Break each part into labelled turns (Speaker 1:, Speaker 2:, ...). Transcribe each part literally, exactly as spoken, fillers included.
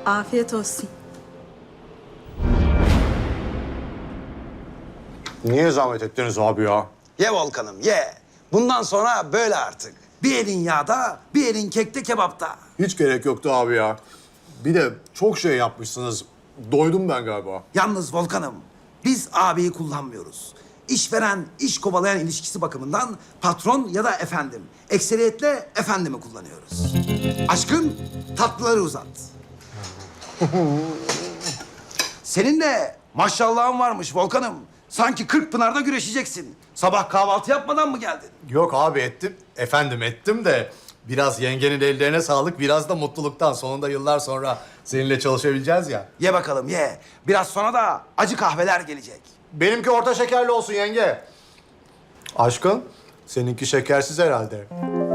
Speaker 1: Afiyet olsun.
Speaker 2: Niye zahmet ettiniz abi ya?
Speaker 3: Ye Volkan'ım ye. Bundan sonra böyle artık. Bir elin yağda, bir elin kekte kebapta.
Speaker 2: Hiç gerek yoktu abi ya. Bir de çok şey yapmışsınız. Doydum ben galiba.
Speaker 3: Yalnız Volkan'ım, biz abiyi kullanmıyoruz. İşveren, iş kovalayan ilişkisi bakımından patron ya da efendim. Ekseriyetle efendimi kullanıyoruz. Aşkın tatlıları uzat. Senin de maşallahın varmış Volkan'ım. Sanki kırk pınarda güreşeceksin. Sabah kahvaltı yapmadan mı geldin?
Speaker 2: Yok abi ettim. Efendim ettim de biraz yengenin ellerine sağlık, biraz da mutluluktan. Sonunda yıllar sonra seninle çalışabileceğiz ya.
Speaker 3: Ye bakalım ye. Biraz sonra da acı kahveler gelecek.
Speaker 2: Benimki orta şekerli olsun yenge. Aşkın, seninki şekersiz herhalde.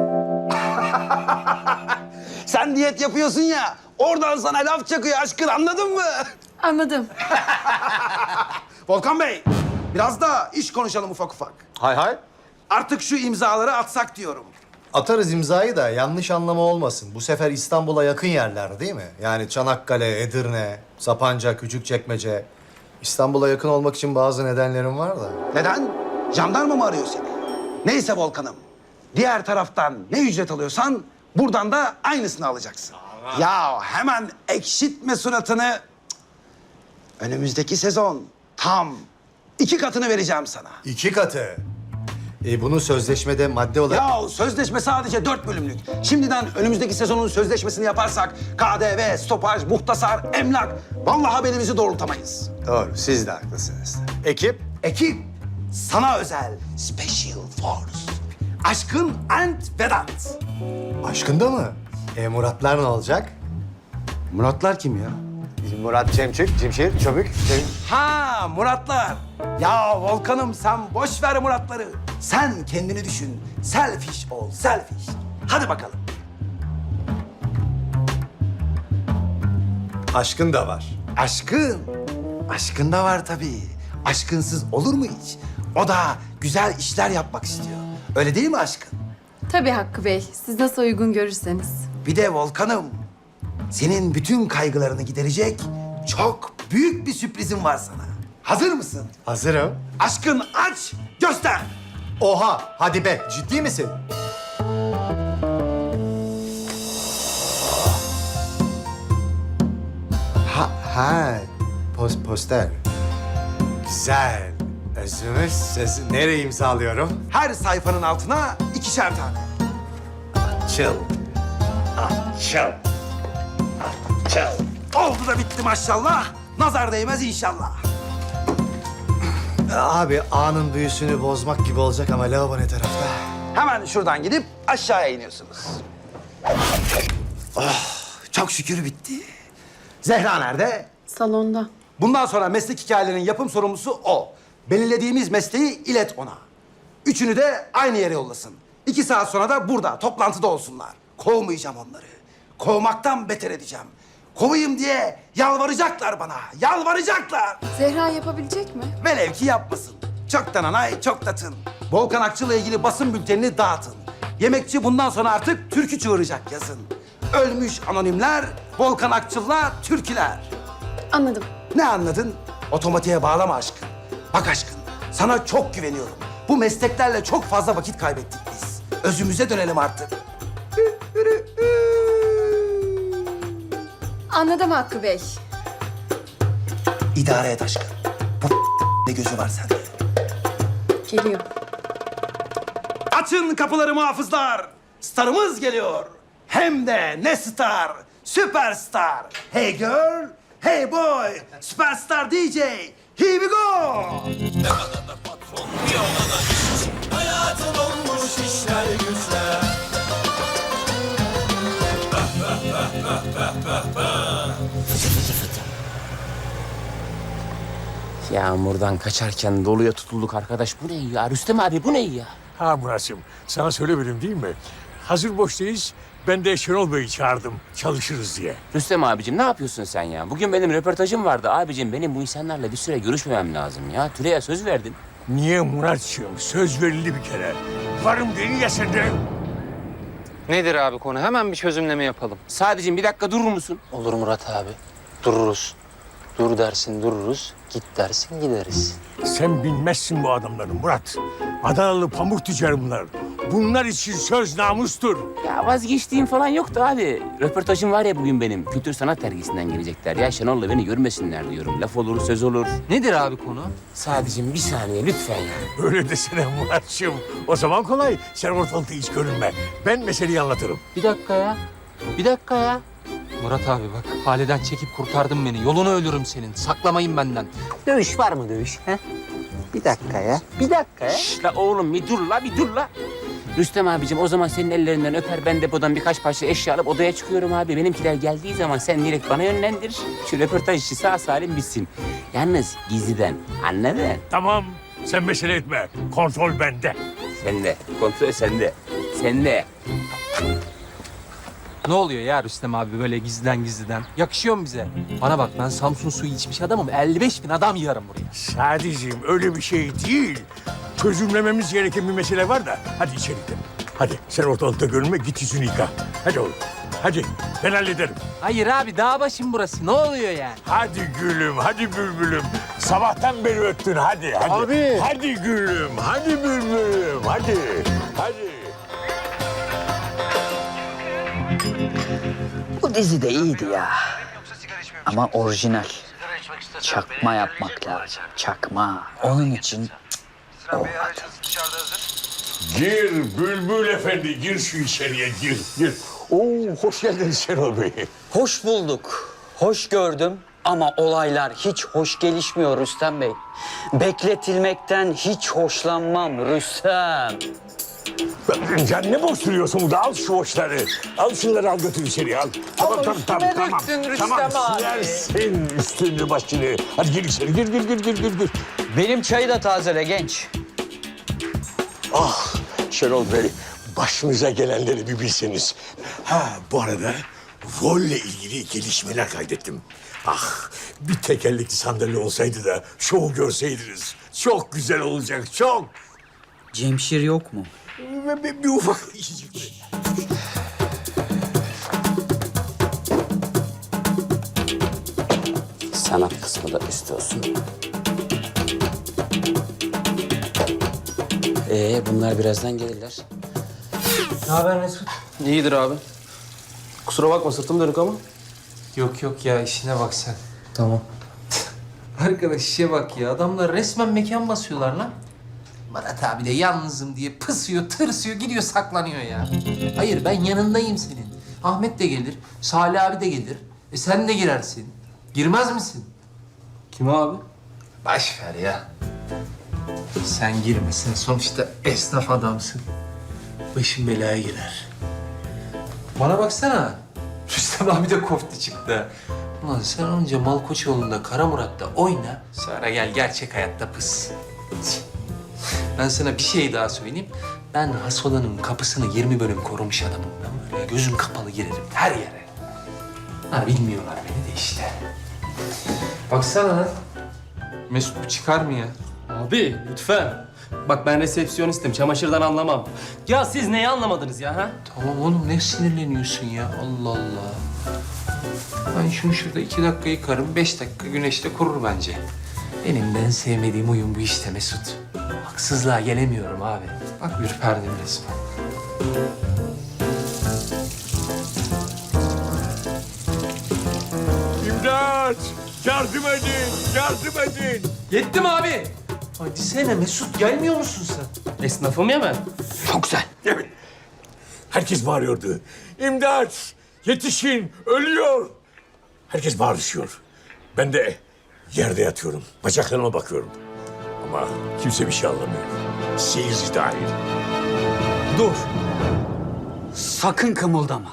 Speaker 3: Sen diyet yapıyorsun ya, oradan sana laf çakıyor aşkın, anladın mı?
Speaker 1: Anladım.
Speaker 3: Volkan Bey, biraz da iş konuşalım ufak ufak.
Speaker 2: Hay hay.
Speaker 3: Artık şu imzaları atsak diyorum.
Speaker 2: Atarız imzayı da yanlış anlama olmasın. Bu sefer İstanbul'a yakın yerler değil mi? Yani Çanakkale, Edirne, Sapanca, Küçükçekmece. İstanbul'a yakın olmak için bazı nedenlerim var da.
Speaker 3: Neden? Jandarma mı arıyor seni? Neyse Volkan'ım, diğer taraftan ne ücret alıyorsan buradan da aynısını alacaksın. Ya hemen ekşitme suratını. Cık. Önümüzdeki sezon tam iki katını vereceğim sana.
Speaker 2: İki katı. E, bunu sözleşmede madde olarak...
Speaker 3: Ya sözleşme sadece dört bölümlük. Şimdiden önümüzdeki sezonun sözleşmesini yaparsak K D V, stopaj, muhtasar, emlak... Vallahi belimizi doğrultamayız.
Speaker 2: Doğru, siz de haklısınız. Ekip?
Speaker 3: Ekip sana özel Special Force. Aşkın and Vedat.
Speaker 2: Aşkında mı? E, Muratlar ne olacak?
Speaker 3: Muratlar kim ya?
Speaker 2: Murat Cemçik, Cimşir, Çöbük. Cem...
Speaker 3: Ha Muratlar. Ya Volkan'ım sen boş ver Muratları. Sen kendini düşün. Selfish ol, selfish. Hadi bakalım.
Speaker 2: Aşkın da var.
Speaker 3: Aşkın. Aşkın da var tabii. Aşkınsız olur mu hiç? O da güzel işler yapmak istiyor. Öyle değil mi aşkın?
Speaker 1: Tabii Hakkı Bey. Siz nasıl uygun görürseniz.
Speaker 3: Bir de Volkan'ım, senin bütün kaygılarını giderecek çok büyük bir sürprizim var sana. Hazır mısın?
Speaker 2: Hazırım.
Speaker 3: Aşkın aç, göster.
Speaker 2: Oha, hadi be, ciddi misin? Ha, ha, pos, poster. Güzel. Özümüz sözü nereye imzalıyorum?
Speaker 3: Her sayfanın altına ikişer tane.
Speaker 2: Açıl.
Speaker 3: Açıl. Açıl. Oldu da bitti maşallah. Nazar değmez inşallah.
Speaker 2: Abi anın büyüsünü bozmak gibi olacak ama lavabo ne tarafta?
Speaker 3: Hemen şuradan gidip aşağıya iniyorsunuz. Oh, çok şükür bitti. Zehra nerede?
Speaker 1: Salonda.
Speaker 3: Bundan sonra meslek hikayelerinin yapım sorumlusu o. Belirlediğimiz mesleği ilet ona. Üçünü de aynı yere yollasın. İki saat sonra da burada, toplantıda olsunlar. Kovmayacağım onları. Kovmaktan beter edeceğim. Kovayım diye yalvaracaklar bana, yalvaracaklar.
Speaker 1: Zehra yapabilecek mi?
Speaker 3: Velev ki yapmasın. Çoktan anay, çok da tın. Volkan Akçıl'la ilgili basın bültenini dağıtın. Yemekçi bundan sonra artık türkü çığıracak yazın. Ölmüş anonimler, Volkan Akçıl'la türküler.
Speaker 1: Anladım.
Speaker 3: Ne anladın? Otomatiğe bağlama aşkın. Bak aşkın, sana çok güveniyorum. Bu mesleklerle çok fazla vakit kaybettik biz. Özümüze dönelim artık.
Speaker 1: Anladım Hakkı Bey.
Speaker 3: İdare et aşkın. Bu ne gözü var sende?
Speaker 1: Geliyor.
Speaker 3: Açın kapıları muhafızlar. Starımız geliyor. Hem de ne star? Süperstar. Hey girl, hey boy. Süperstar D J. Here we go.
Speaker 4: Hayatım olmuş işler güçler.
Speaker 5: Yağmurdan kaçarken doluya tutulduk arkadaş. Bu ne ya? Rüstem abi bu ne ya?
Speaker 6: Ha Murat'cığım, sana söylemedim değil mi? Hazır boştayız, ben de Şenol Bey'i çağırdım, çalışırız diye.
Speaker 5: Rüstem abicim ne yapıyorsun sen ya? Bugün benim röportajım vardı abicim. Benim bu insanlarla bir süre görüşmemem lazım ya. Tülay'a söz verdin.
Speaker 6: Niye Murat'cığım? Söz verildi bir kere. Varım dedin ya sen de.
Speaker 7: Nedir abi konu? Hemen bir çözümleme yapalım.
Speaker 5: Sadece bir dakika durur musun?
Speaker 7: Olur Murat abi. Dururuz. Dur dersin dururuz. Git dersin gideriz.
Speaker 6: Sen bilmezsin bu adamları Murat. Adanalı pamuk tüccarı bunlar. Bunlar için söz namustur.
Speaker 5: Ya vazgeçtiğim falan yoktu abi. Röportajım var ya bugün benim. Kültür sanat dergisinden gelecekler. Ya Şenol'la beni görmesinler diyorum. Laf olur, söz olur.
Speaker 7: Nedir abi konu?
Speaker 5: Sadece bir saniye lütfen ya.
Speaker 6: Öyle desene Muratçığım. O zaman kolay. Sen ortalıkta hiç görünme. Ben meseleyi anlatırım.
Speaker 7: Bir dakika ya. Bir dakika ya. Murat abi bak, Hale'den çekip kurtardın beni. Yolunu ölürüm senin. Saklamayın benden. Dövüş var mı dövüş? He? Bir dakika ya. Bir dakika ya.
Speaker 5: Şş, la oğlum bir dur la bir dur la. Rüstem abicim o zaman senin ellerinden öper. Ben depodan birkaç parça eşya alıp odaya çıkıyorum abi. Benimkiler geldiği zaman sen direkt bana yönlendir. Şu röportaj işi sağ salim bitsin. Yalnız gizliden anladın?
Speaker 6: Tamam. Sen mesele etme. Kontrol bende.
Speaker 5: Sende. Kontrol sende. Sende.
Speaker 7: Ne oluyor ya Rüstem abi böyle gizliden gizliden? Yakışıyor mu bize? Bana bak, ben Samsun suyu içmiş adamım. elli beş bin adam yığarım buraya.
Speaker 6: Sadiciğim öyle bir şey değil. Çözümlememiz gereken bir mesele var da. Hadi içeri gidelim. Hadi sen ortalıkta görünme, git yüzünü yıka. Hadi oğlum. Hadi ben hallederim.
Speaker 7: Hayır abi, dağ başım burası. Ne oluyor yani?
Speaker 6: Hadi gülüm, hadi bülbülüm. Sabahtan beri öttün, hadi, hadi.
Speaker 7: Abi.
Speaker 6: Hadi gülüm, hadi bülbülüm, hadi. Hadi.
Speaker 8: Bu dizi de iyiydi ya. Ama orijinal. Çakma yapmak lazım. Çakma. Onun için olmadı.
Speaker 6: Gir Bülbül Efendi, gir şu içeriye, gir, gir. Oo, hoş geldiniz Şenol Bey.
Speaker 8: Hoş bulduk. Hoş gördüm ama olaylar hiç hoş gelişmiyor Rüstem Bey. Bekletilmekten hiç hoşlanmam Rüstem.
Speaker 6: Sen ne boş duruyorsun burada? Al şu hoşları. Al şunları al götür içeriye al. Tamam tamam tamam tamam. Tamam silersin üstünü başını. Hadi gir içeri gir gir gir gir gir. gir.
Speaker 8: Benim çayı da tazele genç.
Speaker 6: Ah Şenol Bey, başınıza gelenleri bir bilseniz. Ha bu arada rolle ilgili gelişmeler kaydettim. Ah bir tekerlekli sandalye olsaydı da şovu görseydiniz. Çok güzel olacak çok.
Speaker 8: Cemşir yok mu?
Speaker 6: Bir, bir, bir ufak işicik.
Speaker 5: Sanat kısmı da üst olsun. Ee bunlar birazdan gelirler.
Speaker 7: Ne haber Mesut?
Speaker 9: İyidir abi. Kusura bakma sırtım dönük ama.
Speaker 7: Yok yok ya, işine bak sen. Tamam. Arkadaş işe bak ya. Adamlar resmen mekan basıyorlar lan. Murat abi de yalnızım diye pısıyor, tırsıyor, gidiyor saklanıyor ya. Hayır, ben yanındayım senin. Ahmet de gelir, Salih abi de gelir. E sen de girersin. Girmez misin?
Speaker 9: Kim abi?
Speaker 7: Baş ver ya. Sen girmesin. Sonuçta esnaf adamsın. Başın belaya girer. Bana baksana. Rüstem abi de koftu çıktı. Ulan sen önce Malkoçoğlu'nda, Kara Murat'ta oyna. Sonra gel gerçek hayatta pıs. Ben sana bir şey daha söyleyeyim. Ben Hasola'nın kapısını yirmi bölüm korumuş adamım. Ben böyle gözüm kapalı girerim her yere. Ha bilmiyorlar beni de işte. Baksana lan. Mesut bu çıkar mı ya?
Speaker 9: Abi lütfen. Bak ben resepsiyonistim. Çamaşırdan anlamam. Ya siz neyi anlamadınız ya ha?
Speaker 7: Tamam oğlum, ne sinirleniyorsun ya? Allah Allah. Ben şunu şurada iki dakika yıkarım, beş dakika güneşte kurur bence. Benim de en sevmediğim oyun bu işte Mesut. Haksızlığa gelemiyorum abi. Bak ürperdim resmen.
Speaker 6: İmdat! Yardım edin! Yardım edin!
Speaker 9: Yetti mi abi?
Speaker 7: Hadi sene Mesut, gelmiyor musun sen?
Speaker 9: Esnafım ya ben.
Speaker 8: Çok güzel.
Speaker 6: Evet. Herkes bağırıyordu. İmdat! Yetişin! Ölüyor! Herkes bağırışıyor. Ben de yerde yatıyorum. Bacaklarıma bakıyorum. Ama kimse bir şey anlamıyor. Seyirci dahil.
Speaker 8: Dur. Sakın kımıldama.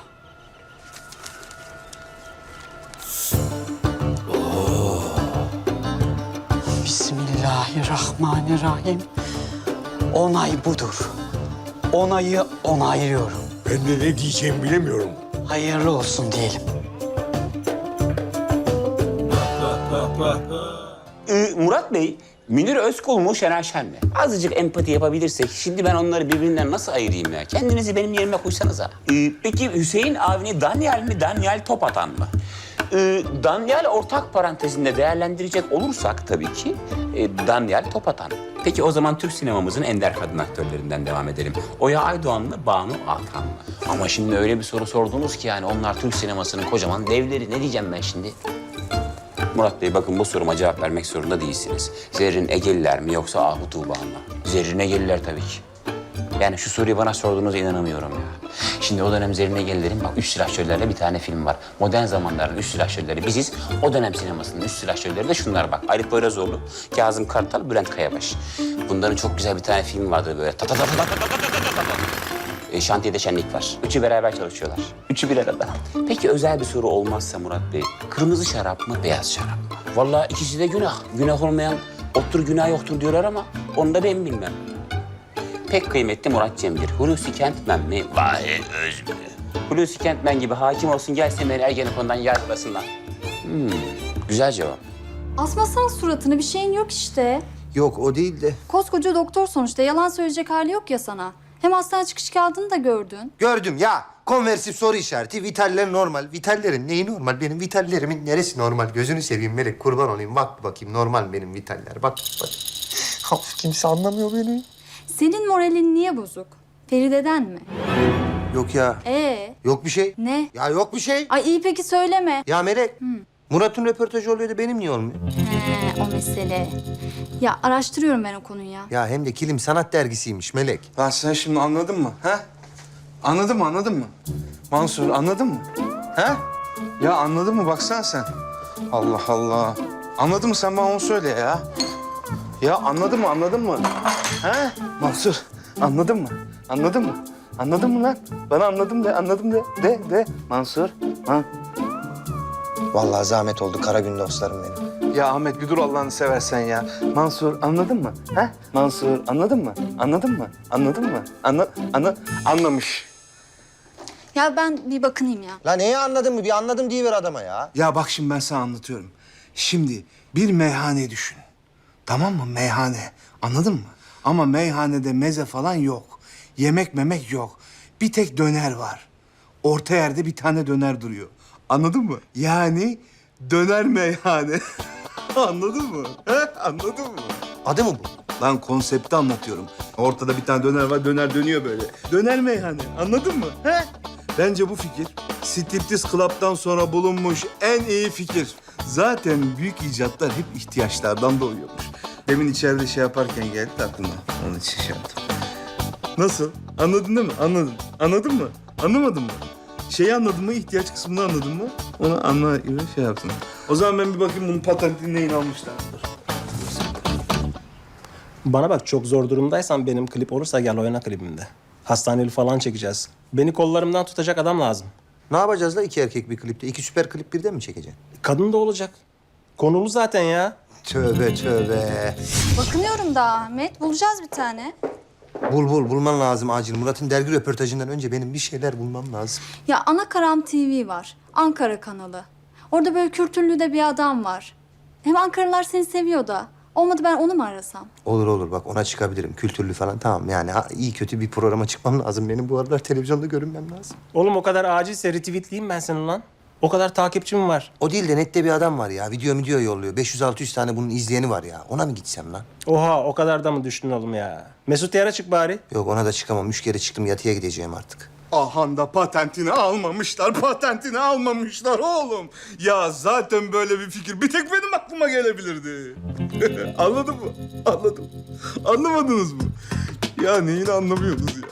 Speaker 8: Bismillahirrahmanirrahim. Onay budur. Onayı onaylıyorum.
Speaker 6: Ben de ne diyeceğimi bilemiyorum.
Speaker 8: Hayırlı olsun diyelim.
Speaker 10: Ee, Murat Bey,
Speaker 5: Münir Özkul mu, Şener Şen mi? Azıcık empati yapabilirsek, şimdi ben onları birbirinden nasıl ayırayım ya? Kendinizi benim yerime koysanıza. Ee, peki Hüseyin Avni Daniel mi, Daniel Topatan mı? Ee, Daniel ortak parantezinde değerlendirecek olursak tabii ki e, Daniel Topatan. Peki o zaman Türk sinemamızın ender kadın aktörlerinden devam edelim. Oya Aydoğan mı, Banu Alkan mı? Ama şimdi öyle bir soru sordunuz ki yani onlar Türk sinemasının kocaman devleri. Ne diyeceğim ben şimdi? Murat Bey bakın bu soruma cevap vermek zorunda değilsiniz. Zerrin Egeliler mi yoksa Ahu Tuğba mı? Zerrin Egeliler tabii ki. Yani şu soruyu bana sorduğunuza inanamıyorum ya. Şimdi o dönem Zerrin Egelilerin bak üç silahşörlerle bir tane film var. Modern zamanların üç silahşörleri biziz. O dönem sinemasının üç silahşörleri de şunlar bak. Arif Poyrazoğlu, Kazım Kartal, Bülent Kayabaş. Bunların çok güzel bir tane film vardı böyle. Ta ta ta ta ta ta ta ta ta ta. E, şantiyede şenlik var. Üçü beraber çalışıyorlar. Üçü bir arada. Peki özel bir soru olmazsa Murat Bey, kırmızı şarap mı, beyaz şarap mı? Vallahi ikisi de günah. Günah olmayan ottur günah yoktur diyorlar ama onu da ben bilmem. Pek kıymetli Murat Cem'dir. Hulusi Kentmen mi, Vahit Öz mü? Hulusi Kentmen gibi hakim olsun gelsin beni Ergenekon'dan yargılasınlar. Hmm, güzel cevap.
Speaker 10: Asmasan suratını, bir şeyin yok işte.
Speaker 2: Yok o değil de.
Speaker 10: Koskoca doktor sonuçta, yalan söyleyecek hali yok ya sana. Hem hastane çıkış kağıdını da gördün.
Speaker 2: Gördüm ya. Konversif soru işareti. Vitaller normal. Vitallerin neyi normal? Benim vitallerimin neresi normal? Gözünü seveyim Melek. Kurban olayım. Bak bakayım normal benim vitaller. Bak bak. Of, kimse anlamıyor beni.
Speaker 10: Senin moralin niye bozuk? Feride'den mi?
Speaker 2: Yok ya.
Speaker 10: Ee,
Speaker 2: Yok bir şey.
Speaker 10: ne?
Speaker 2: Ya yok bir şey.
Speaker 10: Ay iyi peki söyleme.
Speaker 2: Ya Melek. Murat'ın röportajı oluyor da benim niye olmuyor?
Speaker 10: He, o mesele. Ya araştırıyorum ben o konuyu ya.
Speaker 2: Ya hem de Kilim Sanat Dergisi'ymiş Melek.
Speaker 3: Lan sen şimdi anladın mı? He? Anladın mı, anladın mı? Mansur anladın mı? He? Ya anladın mı? Baksana sen. Allah Allah. Anladın mı? Sen bana onu söyle ya. Ya anladın mı, anladın mı? He? Mansur anladın mı? Anladın mı? Anladın mı lan? Bana anladım de, anladım de. De, de. Mansur. Ha?
Speaker 2: Vallahi zahmet oldu kara gün dostlarım benim.
Speaker 3: Ya Ahmet bir dur Allah'ını seversen ya. Mansur anladın mı? He? Mansur anladın mı? Anladın mı? Anladın mı? Anla, anla, anlamış.
Speaker 10: Ya ben bir bakınayım ya.
Speaker 2: La neyi anladın mı? Bir anladım diyiver adama ya.
Speaker 3: Ya bak şimdi ben sana anlatıyorum. Şimdi bir meyhane düşün. Tamam mı? Meyhane. Anladın mı? Ama meyhanede meze falan yok. Yemek memek yok. Bir tek döner var. Orta yerde bir tane döner duruyor. Anladın mı? Yani döner meyhane. Anladın mı? He? Anladın mı?
Speaker 2: Adı mı bu?
Speaker 3: Lan konsepti anlatıyorum. Ortada bir tane döner var, döner dönüyor böyle. Döner meyhane, anladın mı? He? Bence bu fikir Striptiz Club'dan sonra bulunmuş en iyi fikir. Zaten büyük icatlar hep ihtiyaçlardan doğuyormuş. Demin içeride şey yaparken geldi de aklıma. Onun için şey yaptım. Nasıl? Anladın değil mi? Anladın. Anladın mı? Anlamadın mı? Şeyi anladın mı? İhtiyaç kısmını anladın mı? Onu anla gibi şey yaptın. O zaman ben bir bakayım bunun patentini neyin almışlar.
Speaker 9: Bana bak çok zor durumdaysan benim klip olursa gel oyna klibimde. Hastaneli falan çekeceğiz. Beni kollarımdan tutacak adam lazım.
Speaker 2: Ne yapacağız la iki erkek bir klipte? İki süper klip birden mi çekeceksin?
Speaker 9: Kadın da olacak. Konulu zaten ya.
Speaker 2: Tövbe tövbe.
Speaker 10: Bakınıyorum da Ahmet, bulacağız bir tane.
Speaker 2: Bul bul bulman lazım acil. Murat'ın dergi röportajından önce benim bir şeyler bulmam lazım.
Speaker 10: Ya Ana Karam T V var, Ankara kanalı. Orada böyle kültürlü de bir adam var. Hem Ankaralılar seni seviyor da. Olmadı ben onu mu arasam?
Speaker 2: Olur olur bak ona çıkabilirim. Kültürlü falan tamam yani ha, iyi kötü bir programa çıkmam lazım. Benim bu aralar televizyonda görünmem lazım.
Speaker 9: Oğlum o kadar acilse retweetleyeyim ben seni lan. O kadar takipçim var.
Speaker 2: O değil de nette bir adam var ya. Video video yolluyor. beş yüz altı yüz tane bunun izleyeni var ya. Ona mı gitsem lan?
Speaker 9: Oha o kadar da mı düştün oğlum ya? Mesut Yar'a çık bari.
Speaker 2: Yok ona da çıkamam. Üç kere çıktım yatıya gideceğim artık.
Speaker 3: Ahanda patentini almamışlar, patentini almamışlar oğlum. Ya zaten böyle bir fikir bir tek benim aklıma gelebilirdi. Anladın mı? Anladım. Anlamadınız mı? Ya neyini anlamıyorsunuz ya?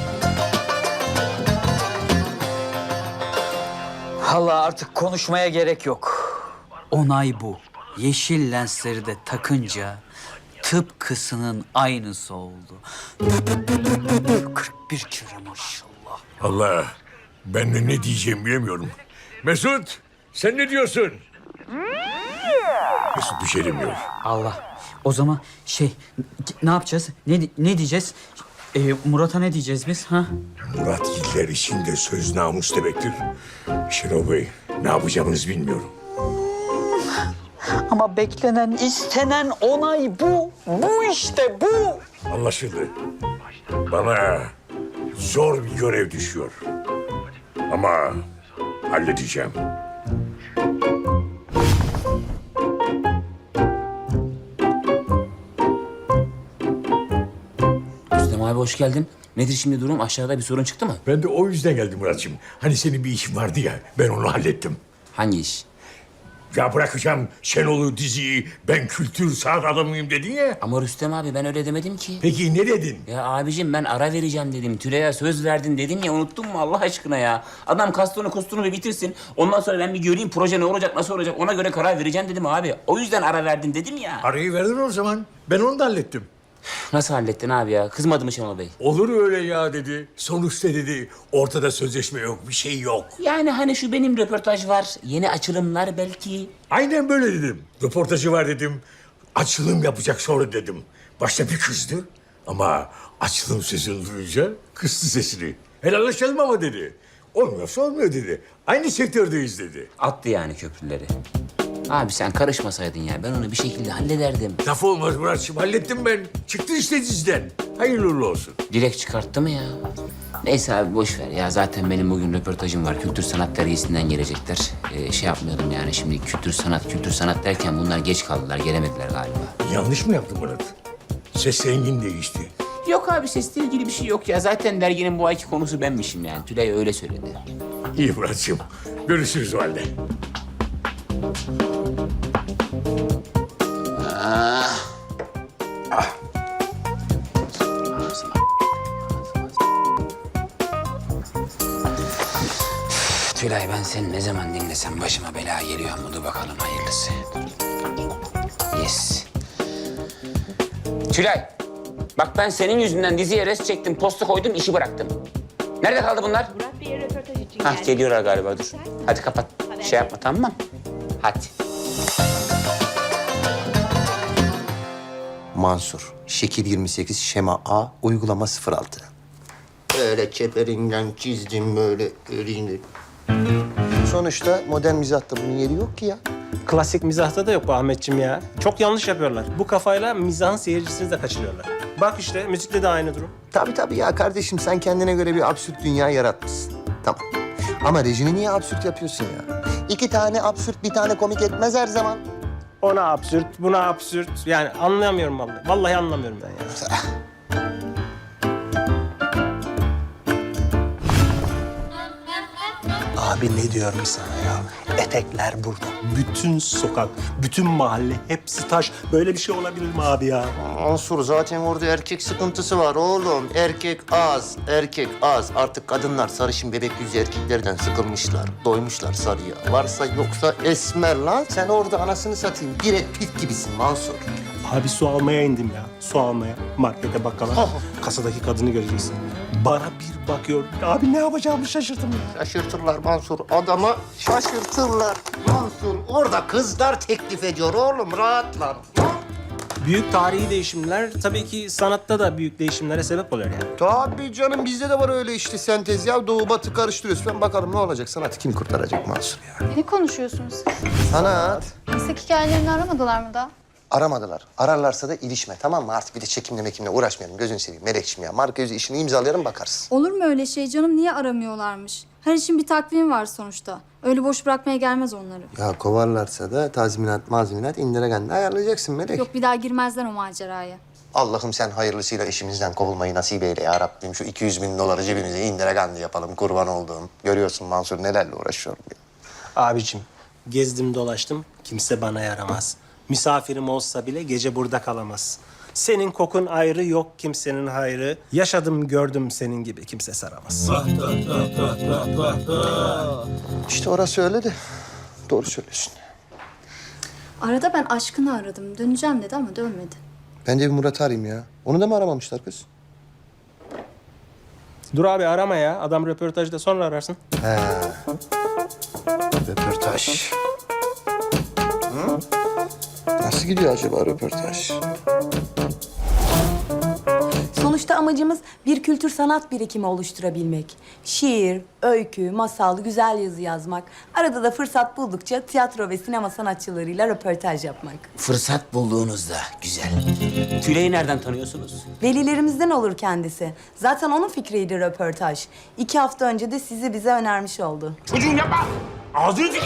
Speaker 8: Vallahi artık konuşmaya gerek yok. Onay bu. Yeşil lensleri de takınca tıpkısının aynısı oldu. kırk bir kere maşallah.
Speaker 6: Allah, ben de ne diyeceğimi bilemiyorum. Mesut, sen ne diyorsun? Mesut bir şey demiyor.
Speaker 8: Allah. O zaman şey ne yapacağız? Ne ne diyeceğiz? Ee, Murat'a ne diyeceğiz biz ha?
Speaker 6: Murat Giller için de söz namus demektir. Şenol Bey, ne yapacağımızı bilmiyorum.
Speaker 8: Ama beklenen, istenen onay bu. Bu işte bu.
Speaker 6: Anlaşıldı. Bana zor bir görev düşüyor. Ama halledeceğim.
Speaker 5: Rüstem abi hoş geldin. Nedir şimdi durum? Aşağıda bir sorun çıktı mı?
Speaker 6: Ben de o yüzden geldim Muratçım. Hani senin bir işin vardı ya, ben onu hallettim.
Speaker 5: Hangi iş?
Speaker 6: Ya bırakacağım Şenol'u, diziyi, ben kültür sanat adamıyım dedin ya.
Speaker 5: Ama Rüstem abi ben öyle demedim ki.
Speaker 6: Peki ne dedin?
Speaker 5: Ya abicim ben ara vereceğim dedim. Tülay'a söz verdin dedim ya, unuttun mu Allah aşkına ya? Adam kastonu kostunu bir bitirsin. Ondan sonra ben bir göreyim proje ne olacak, nasıl olacak, ona göre karar vereceğim dedim abi. O yüzden ara verdin dedim ya.
Speaker 6: Arayı verdin o zaman. Ben onu da hallettim.
Speaker 5: Nasıl hallettin abi ya? Kızmadı mı Şenol Bey?
Speaker 6: Olur öyle ya dedi. Sonuçta dedi ortada sözleşme yok, bir şey yok.
Speaker 5: Yani hani şu benim röportaj var, yeni açılımlar belki.
Speaker 6: Aynen böyle dedim. Röportajı var dedim. Açılım yapacak sonra dedim. Başta bir kızdı ama açılım sesini duyunca kıstı sesini. Helalleşelim ama dedi. Olmuyorsa olmuyor dedi. Aynı sektördeyiz dedi.
Speaker 5: Attı yani köprüleri. Abi sen karışmasaydın ya, ben onu bir şekilde hallederdim.
Speaker 6: Laf olmaz Muratçım, hallettim ben. Çıktı işte diziden. Hayırlı uğurlu olsun.
Speaker 5: Direkt çıkarttı mı ya? Neyse abi boş ver ya. Zaten benim bugün röportajım var. Kültür Sanat Dergisi'nden gelecekler. Ee, şey yapmıyordum yani şimdi kültür sanat, kültür sanat derken bunlar geç kaldılar. Gelemediler galiba.
Speaker 6: Yanlış mı yaptım Murat? Ses rengin değişti.
Speaker 5: Yok abi sesle ilgili bir şey yok ya. Zaten derginin bu ayki konusu benmişim yani. Tülay öyle söyledi.
Speaker 6: İyi Muratçım. Görüşürüz o halde.
Speaker 5: Tülay ben seni ne zaman dinlesem başıma bela geliyor mu? Dur bakalım hayırlısı. Yes. Tülay. Bak ben senin yüzünden diziye res çektim, posta koydum, işi bıraktım. Nerede kaldı bunlar?
Speaker 11: Murat Bey'e röportaj için
Speaker 5: Hah
Speaker 11: geldim.
Speaker 5: geliyorlar galiba dur. Hadi kapat. Şey yapma tamam mı? Hadi.
Speaker 2: Mansur, şekil yirmi sekiz, şema A, uygulama sıfır altı. Böyle çeperinden çizdim böyle elinde. Sonuçta modern mizahta bunun yeri yok ki ya.
Speaker 9: Klasik mizahta da yok bu Ahmetciğim ya. Çok yanlış yapıyorlar. Bu kafayla mizahın seyircisini de kaçırıyorlar. Bak işte müzikte de aynı durum.
Speaker 2: Tabii tabii ya kardeşim sen kendine göre bir absürt dünya yaratmışsın. Tamam. Ama rejini niye absürt yapıyorsun ya? İki tane absürt bir tane komik etmez her zaman.
Speaker 9: Ona absürt, buna absürt. Yani anlayamıyorum vallahi. Vallahi anlamıyorum ben ya. Abi ne diyorum sana ya? Etekler burada. Bütün sokak, bütün mahalle, hepsi taş. Böyle bir şey olabilir mi abi ya?
Speaker 2: Mansur zaten orada erkek sıkıntısı var oğlum. Erkek az, erkek az. Artık kadınlar sarışın bebek yüzlü erkeklerden sıkılmışlar. Doymuşlar sarıya. Varsa yoksa esmer lan. Sen orada anasını satayım. Brad Pitt gibisin Mansur.
Speaker 9: Abi su almaya indim ya. Su almaya. Markete bakkala. Kasadaki kadını göreceksin. Bana bir bakıyor. Abi ne yapacağımı şaşırdım ya.
Speaker 2: Şaşırtırlar Mansur. Adama şaşırtırlar. Mansur orada kızlar teklif ediyor oğlum. Rahatlar.
Speaker 9: Büyük tarihi değişimler tabii ki sanatta da büyük değişimlere sebep oluyor yani.
Speaker 2: Tabii canım bizde de var öyle işte sentez ya. Doğu batı karıştırıyoruz. Ben bakalım ne olacak? Sanatı kim kurtaracak Mansur ya?
Speaker 10: Ne konuşuyorsunuz siz?
Speaker 2: Sanat.
Speaker 10: Meslek hikayelerini aramadılar mı da?
Speaker 2: Aramadılar. Ararlarsa da ilişme tamam mı? Artık bir de çekimle mekimle uğraşmayalım. Gözünü seveyim Melekçim ya. Marka yüzü işini imzalayalım bakarsın.
Speaker 10: Olur mu öyle şey canım? Niye aramıyorlarmış? Her işin bir takvimi var sonuçta. Öyle boş bırakmaya gelmez onları.
Speaker 2: Ya kovarlarsa da tazminat mazminat indiregenle ayarlayacaksın Melek.
Speaker 10: Yok bir daha girmezler o maceraya.
Speaker 2: Allah'ım sen hayırlısıyla işimizden kovulmayı nasip eyle ya Rabbim. Şu iki yüz bin doları cebimize indiregenle yapalım kurban olduğum. Görüyorsun Mansur nelerle uğraşıyorum ya.
Speaker 9: Abicim gezdim dolaştım kimse bana yaramaz. Misafirim olsa bile gece burada kalamaz. Senin kokun ayrı yok kimsenin hayrı. Yaşadım gördüm senin gibi kimse saramaz.
Speaker 2: İşte orası öyle de doğru söylüyorsun.
Speaker 10: Arada ben aşkını aradım. Döneceğim dedi ama dönmedi.
Speaker 2: Ben de bir Murat'ı arayayım ya. Onu da mı aramamışlar kız?
Speaker 9: Dur abi arama ya. Adam röportajda sonra ararsın.
Speaker 2: He. Röportaj. Hı? Nasıl gidiyor acaba röportaj?
Speaker 10: Sonuçta
Speaker 11: amacımız bir kültür sanat birikimi oluşturabilmek. Şiir, öykü, masal, güzel yazı yazmak. Arada da fırsat buldukça tiyatro ve sinema sanatçılarıyla röportaj yapmak.
Speaker 5: Fırsat bulduğunuzda güzel. Tülay'ı nereden tanıyorsunuz?
Speaker 11: Velilerimizden olur kendisi. Zaten onun fikriydi röportaj. İki hafta önce de sizi bize önermiş oldu.
Speaker 6: Çocuğum yapma. Ağzını dik.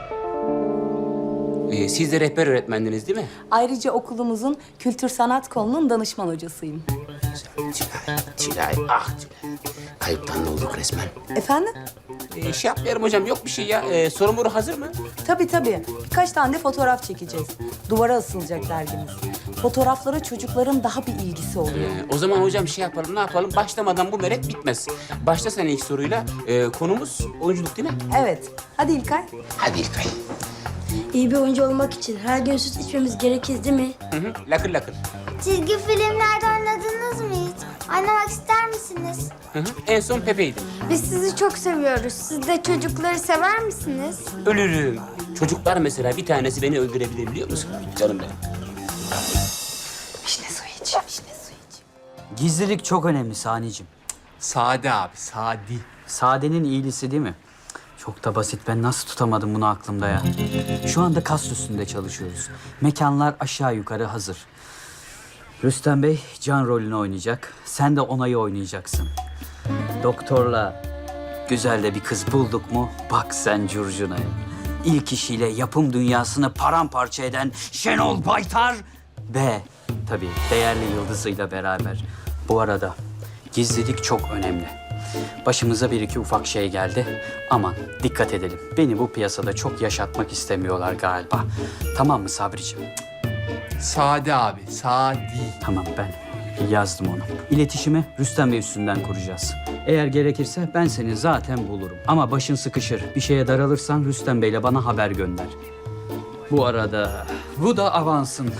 Speaker 5: Ee, siz de rehber öğretmendiniz değil mi?
Speaker 11: Ayrıca okulumuzun kültür sanat kolunun danışman hocasıyım.
Speaker 5: Tülay, Tülay, ah Tülay. Kayıptan da olduk resmen.
Speaker 11: Efendim?
Speaker 5: Ee, şey yapmayalım hocam, yok bir şey ya. Ee, soru moru hazır mı?
Speaker 11: Tabii tabii. Birkaç tane de fotoğraf çekeceğiz. Duvara asılacak dergimiz. Fotoğraflara çocukların daha bir ilgisi oluyor.
Speaker 5: Ee, o zaman hocam şey yapalım, ne yapalım? Başlamadan bu meret bitmez. Başla sen ilk soruyla. Ee, konumuz oyunculuk değil mi?
Speaker 11: Evet. Hadi İlkay.
Speaker 5: Hadi İlkay.
Speaker 12: İyi bir oyuncu olmak için her gün süt içmemiz gerekir değil mi?
Speaker 5: Hı hı, lakır lakır.
Speaker 12: Çizgi filmlerde oynadınız mı hiç? Oynamak ister misiniz?
Speaker 5: Hı hı. En son Pepe'ydim.
Speaker 12: Biz sizi çok seviyoruz. Siz de çocukları sever misiniz?
Speaker 5: Ölürüm. Çocuklar mesela bir tanesi beni öldürebilir biliyor musun? Canım benim.
Speaker 11: Vişne suyu iç. Vişne suyu iç.
Speaker 8: Gizlilik çok önemli Sani'cim.
Speaker 7: Sade abi, sadi.
Speaker 8: Sadenin iyilisi değil mi? Çok da basit. Ben nasıl tutamadım bunu aklımda ya? Şu anda kas üstünde çalışıyoruz. Mekanlar aşağı yukarı hazır. Rüstem Bey Can rolünü oynayacak. Sen de Onay'ı oynayacaksın. Doktorla güzel de bir kız bulduk mu? Bak sen curcunaya. İlk işiyle yapım dünyasını paramparça eden Şenol Baytar ve tabii değerli yıldızıyla beraber. Bu arada gizlilik çok önemli. Başımıza bir iki ufak şey geldi. Aman dikkat edelim. Beni bu piyasada çok yaşatmak istemiyorlar galiba. Tamam mı Sabriciğim?
Speaker 7: Sade abi, sadi.
Speaker 8: Tamam ben yazdım onu. İletişimi Rüstem Bey üstünden kuracağız. Eğer gerekirse ben seni zaten bulurum. Ama başın sıkışır. Bir şeye daralırsan Rüstem Bey'le bana haber gönder. Bu arada bu da avansın.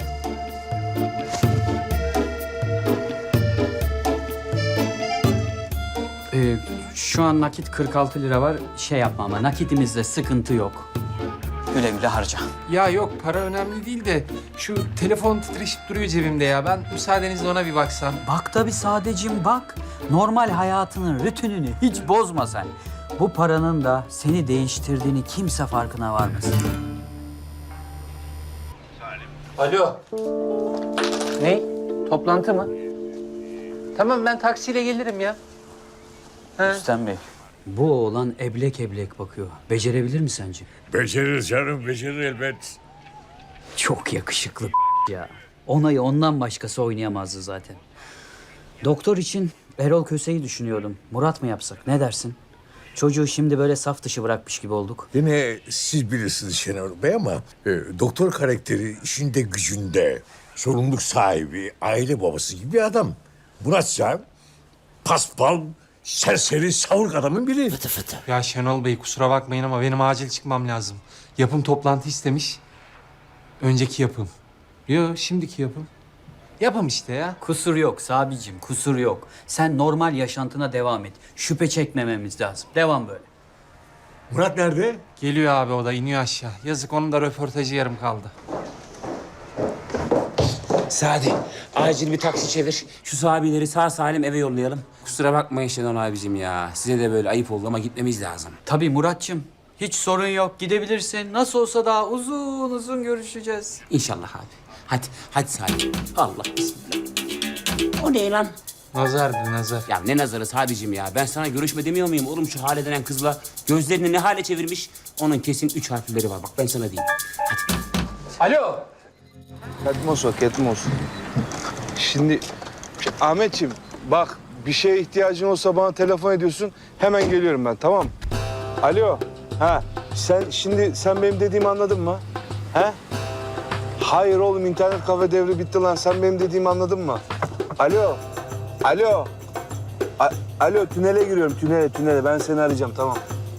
Speaker 8: Ee, şu an nakit kırk altı lira var. Şey yapma ama nakitimizde sıkıntı yok. Güle güle harca.
Speaker 7: Ya yok, para önemli değil de şu telefon titreşip duruyor cebimde ya. Ben müsaadenizle ona bir baksam.
Speaker 8: Bak tabii Sadeciğim bak. Normal hayatının rutinini hiç bozma sen. Bu paranın da seni değiştirdiğini kimse farkına varmasın.
Speaker 7: Alo. Ne? Toplantı mı? Tamam, ben taksiyle gelirim ya. He.
Speaker 8: Rüstem Bey, bu oğlan eblek eblek bakıyor. Becerebilir mi sence?
Speaker 6: Becerir canım, becerir elbet.
Speaker 8: Çok yakışıklı ya. Onayı ondan başkası oynayamazdı zaten. Doktor için Erol Köse'yi düşünüyordum. Murat mı yapsak? Ne dersin? Çocuğu şimdi böyle saf dışı bırakmış gibi olduk.
Speaker 6: Yine siz bilirsiniz Şenol Bey ama e, doktor karakteri işinde gücünde, sorumluluk sahibi, aile babası gibi bir adam. Muratsa paspal, serseri, savurk adamın biri. Fıtı fıtı.
Speaker 7: Ya Şenol Bey kusura bakmayın ama benim acil çıkmam lazım. Yapım toplantı istemiş. Önceki yapım. Yo, şimdiki yapım. Yapım işte ya.
Speaker 8: Kusur yok Sabicim, kusur yok. Sen normal yaşantına devam et. Şüphe çekmememiz lazım. Devam böyle.
Speaker 6: Murat nerede?
Speaker 7: Geliyor abi, o da iniyor aşağı. Yazık, onun da röportajı yarım kaldı.
Speaker 5: Sadi, acil bir taksi çevir. Şu sahabileri sağ salim eve yollayalım. Kusura bakmayın Şenol abicim ya. Size de böyle ayıp oldu ama gitmemiz lazım.
Speaker 8: Tabii Muratçım. Hiç sorun yok. Gidebilirsin. Nasıl olsa daha uzun uzun görüşeceğiz.
Speaker 5: İnşallah abi. Hadi, hadi Sadi. Allah bismillah. O ne lan?
Speaker 7: Nazardı nazar.
Speaker 5: Ya ne nazarı Sadicim ya? Ben sana görüşme demiyor muyum oğlum şu hale denen kızla? Gözlerini ne hale çevirmiş? Onun kesin üç harfleri var. Bak ben sana diyeyim. Hadi.
Speaker 7: Alo.
Speaker 13: Ketmos o, Ketmos. Şimdi Ahmetciğim bak bir şeye ihtiyacın olsa bana telefon ediyorsun. Hemen geliyorum ben, tamam. Alo. Ha sen şimdi sen benim dediğimi anladın mı? He? Hayır oğlum, internet kafe devri bitti lan. Sen benim dediğimi anladın mı? Alo. Alo. A- Alo, tünele giriyorum, tünele, tünele. Ben seni arayacağım, tamam.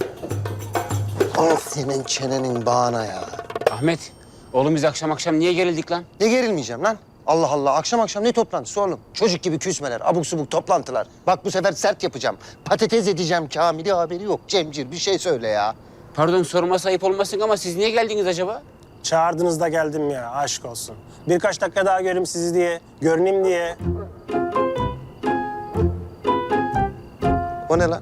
Speaker 2: Al senin çenenin bağına ya.
Speaker 5: Ahmet, oğlum biz akşam akşam niye gerildik lan?
Speaker 2: Ne gerilmeyeceğim lan? Allah Allah, akşam akşam ne toplantısı oğlum? Çocuk gibi küsmeler, abuk subuk toplantılar. Bak bu sefer sert yapacağım. Patates edeceğim Kamil'i, haberi yok. Cemcir bir şey söyle ya.
Speaker 5: Pardon sorması ayıp olmasın ama siz niye geldiniz acaba?
Speaker 9: Çağırdınız da geldim ya, aşk olsun. Birkaç dakika daha göreyim sizi diye, görüneyim diye.
Speaker 2: O ne lan?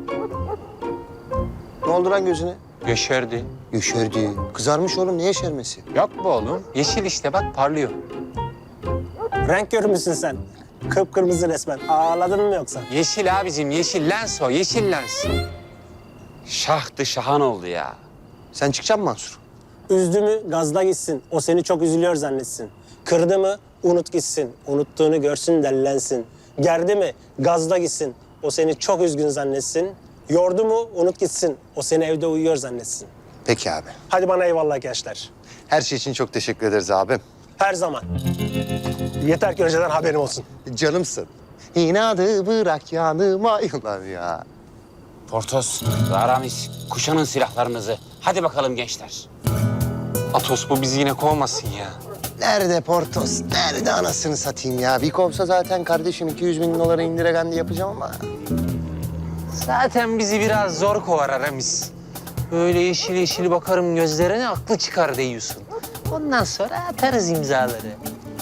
Speaker 2: Ne oldu lan gözüne?
Speaker 5: Yeşerdi.
Speaker 2: Yeşerdi. Kızarmış oğlum, ne yeşermesi?
Speaker 5: Yok bu oğlum. Yeşil işte bak parlıyor.
Speaker 9: Renk görmüşsün sen. Kıpkırmızı resmen. Ağladın mı yoksa?
Speaker 5: Yeşil abicim yeşil lens o yeşil lens. Şahtı şahan oldu ya.
Speaker 2: Sen çıkacak mısın Mansur?
Speaker 9: Üzdü mü gazda gitsin. O seni çok üzülüyor zannetsin. Kırdı mı unut gitsin. Unuttuğunu görsün dellensin. Gerdi mi gazda gitsin. O seni çok üzgün zannetsin. Yordu mu unut gitsin. O seni evde uyuyor zannetsin.
Speaker 2: Peki abi.
Speaker 9: Hadi bana eyvallah gençler.
Speaker 2: Her şey için çok teşekkür ederiz abim.
Speaker 9: Her zaman. Yeter ki önceden haberim olsun.
Speaker 2: Canımsın. İnadı bırak yanıma yılan ya.
Speaker 5: Portos, Aramis, kuşanın silahlarınızı. Hadi bakalım gençler.
Speaker 7: Atos bu bizi yine kovmasın ya.
Speaker 2: Nerede Portos? Nerede anasını satayım ya? Bir kovsa zaten kardeşim iki yüz bin dolara indiregendi yapacağım ama.
Speaker 7: Zaten bizi biraz zor kovar Aramis. Böyle yeşil yeşil bakarım gözlerine aklı çıkar diyorsun. Ondan sonra atarız imzaları.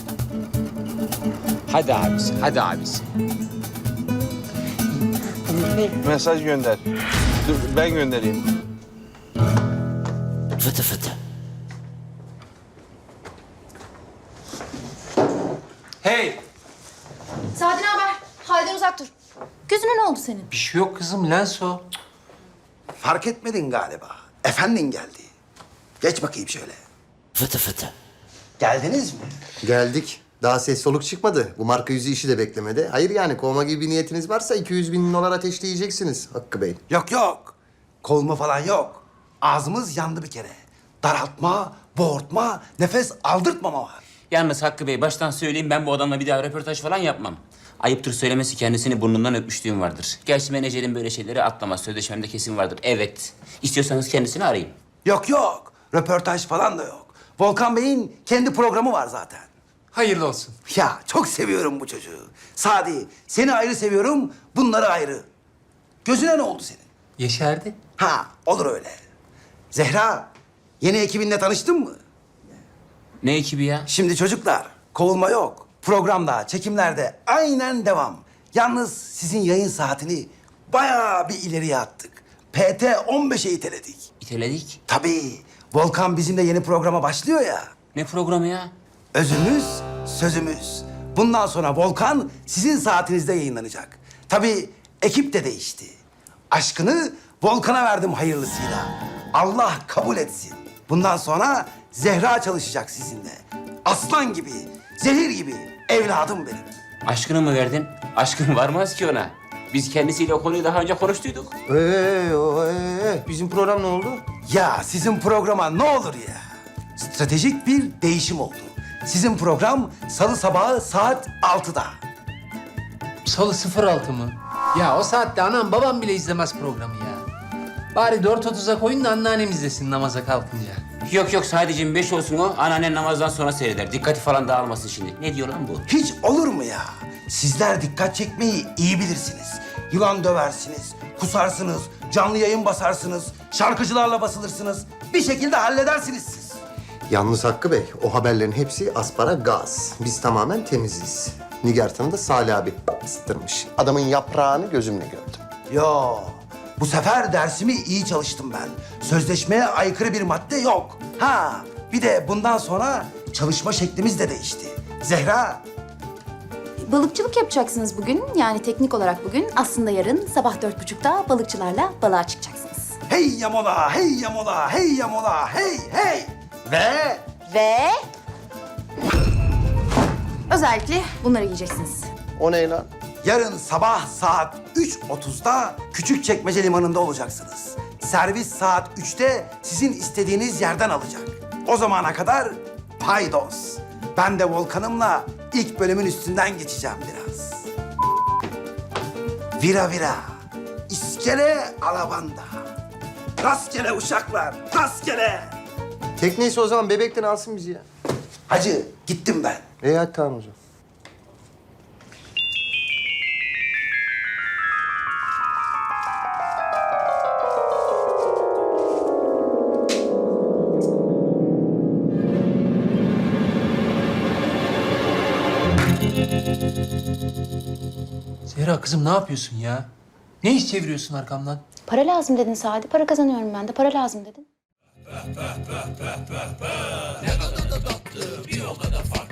Speaker 5: Hadi abisi, hadi abisi.
Speaker 13: Mesaj gönder. Dur ben göndereyim.
Speaker 5: Fıtı fıtı.
Speaker 7: Hey!
Speaker 10: Sadi ne haber? Halden uzak dur. Gözüne ne oldu senin?
Speaker 7: Bir şey yok kızım lens o.
Speaker 3: Fark etmedin galiba. Efendin geldi. Geç bakayım şöyle.
Speaker 5: Fıtı fıtı.
Speaker 3: Geldiniz mi?
Speaker 2: Geldik. Daha ses soluk çıkmadı. Bu marka yüzü işi de beklemedi. Hayır yani kovma gibi bir niyetiniz varsa iki yüz bin dolar ateşleyeceksiniz Hakkı Bey.
Speaker 3: Yok yok. Kovma falan yok. Ağzımız yandı bir kere. Daraltma, boğurtma, nefes aldırtmama var.
Speaker 5: Yalnız Hakkı Bey baştan söyleyeyim ben bu adamla bir daha röportaj falan yapmam. Ayıptır söylemesi kendisini burnundan öpmüşlüğüm vardır. Gerçi menajerim böyle şeyleri atlamaz. Sözleşmemde kesin vardır. Evet. İstiyorsanız kendisini arayın.
Speaker 3: Yok yok. Röportaj falan da yok. Volkan Bey'in kendi programı var zaten.
Speaker 7: Hayırlı olsun.
Speaker 3: Ya çok seviyorum bu çocuğu. Sadi, seni ayrı seviyorum, bunları ayrı. Gözüne ne oldu senin?
Speaker 7: Yeşerdi.
Speaker 3: Ha, olur öyle. Zehra, yeni ekibinle tanıştın mı?
Speaker 5: Ne ekibi ya?
Speaker 3: Şimdi çocuklar, kovulma yok. Programda, çekimlerde aynen devam. Yalnız sizin yayın saatini bayağı bir ileriye attık. P T on beşe iteledik.
Speaker 5: İteledik.
Speaker 3: Tabii, Volkan bizimle yeni programa başlıyor ya.
Speaker 5: Ne programı ya?
Speaker 3: Özümüz, sözümüz. Bundan sonra Volkan sizin saatinizde yayınlanacak. Tabii ekip de değişti. Aşkını Volkan'a verdim hayırlısıyla. Allah kabul etsin. Bundan sonra Zehra çalışacak sizinle. Aslan gibi, zehir gibi evladım benim.
Speaker 5: Aşkını mı verdin? Aşkın varmaz ki ona. Biz kendisiyle o konuyu daha önce konuştuyduk.
Speaker 2: Ee, o, ee, bizim program ne oldu?
Speaker 3: Ya sizin programa ne olur ya. Stratejik bir değişim oldu. Sizin program salı sabahı saat altıda.
Speaker 7: Salı sıfır altı mı? Ya o saatte anam babam bile izlemez programı ya. Bari dört otuza koyun da anneannem izlesin namaza kalkınca.
Speaker 5: Yok yok sadece beş olsun o. Anneannen namazdan sonra seyreder. Dikkati falan dağılmasın şimdi. Ne diyor lan bu?
Speaker 3: Hiç olur mu ya? Sizler dikkat çekmeyi iyi bilirsiniz. Yılan döversiniz, kusarsınız, canlı yayın basarsınız, şarkıcılarla basılırsınız. Bir şekilde halledersiniz siz.
Speaker 2: Yalnız Hakkı Bey, o haberlerin hepsi asparagas. Biz tamamen temiziz. Nigartan'ı da Salih abi ısıtırmış. Adamın yaprağını gözümle gördüm.
Speaker 3: Yo, bu sefer dersimi iyi çalıştım ben. Sözleşmeye aykırı bir madde yok. Ha, bir de bundan sonra çalışma şeklimiz de değişti. Zehra,
Speaker 10: Balıkçılık yapacaksınız bugün. Yani teknik olarak bugün. Aslında yarın sabah dört buçukta balıkçılarla balığa çıkacaksınız.
Speaker 3: hey yamola, hey yamola, hey yamola, hey hey. Ve
Speaker 10: Ve... Özellikle bunları yiyeceksiniz.
Speaker 2: O ne lan?
Speaker 3: yarın sabah saat üç otuzda Küçükçekmece Limanı'nda olacaksınız. Servis saat üçte sizin istediğiniz yerden alacak. O zamana kadar paydos. Ben de Volkan'ımla ilk bölümün üstünden geçeceğim biraz. Vira vira, iskele alabanda. Rastgele uşaklar, rastgele.
Speaker 2: Tekneyse o zaman bebekten alsın bizi ya.
Speaker 3: Hacı, gittim ben.
Speaker 2: İyi hadi tamam o zaman.
Speaker 7: Zehra kızım ne yapıyorsun ya? Ne iş çeviriyorsun arkamdan?
Speaker 14: Para lazım dedin Sadi. Para kazanıyorum ben de. Para lazım dedin.
Speaker 4: Bir o kadar farklı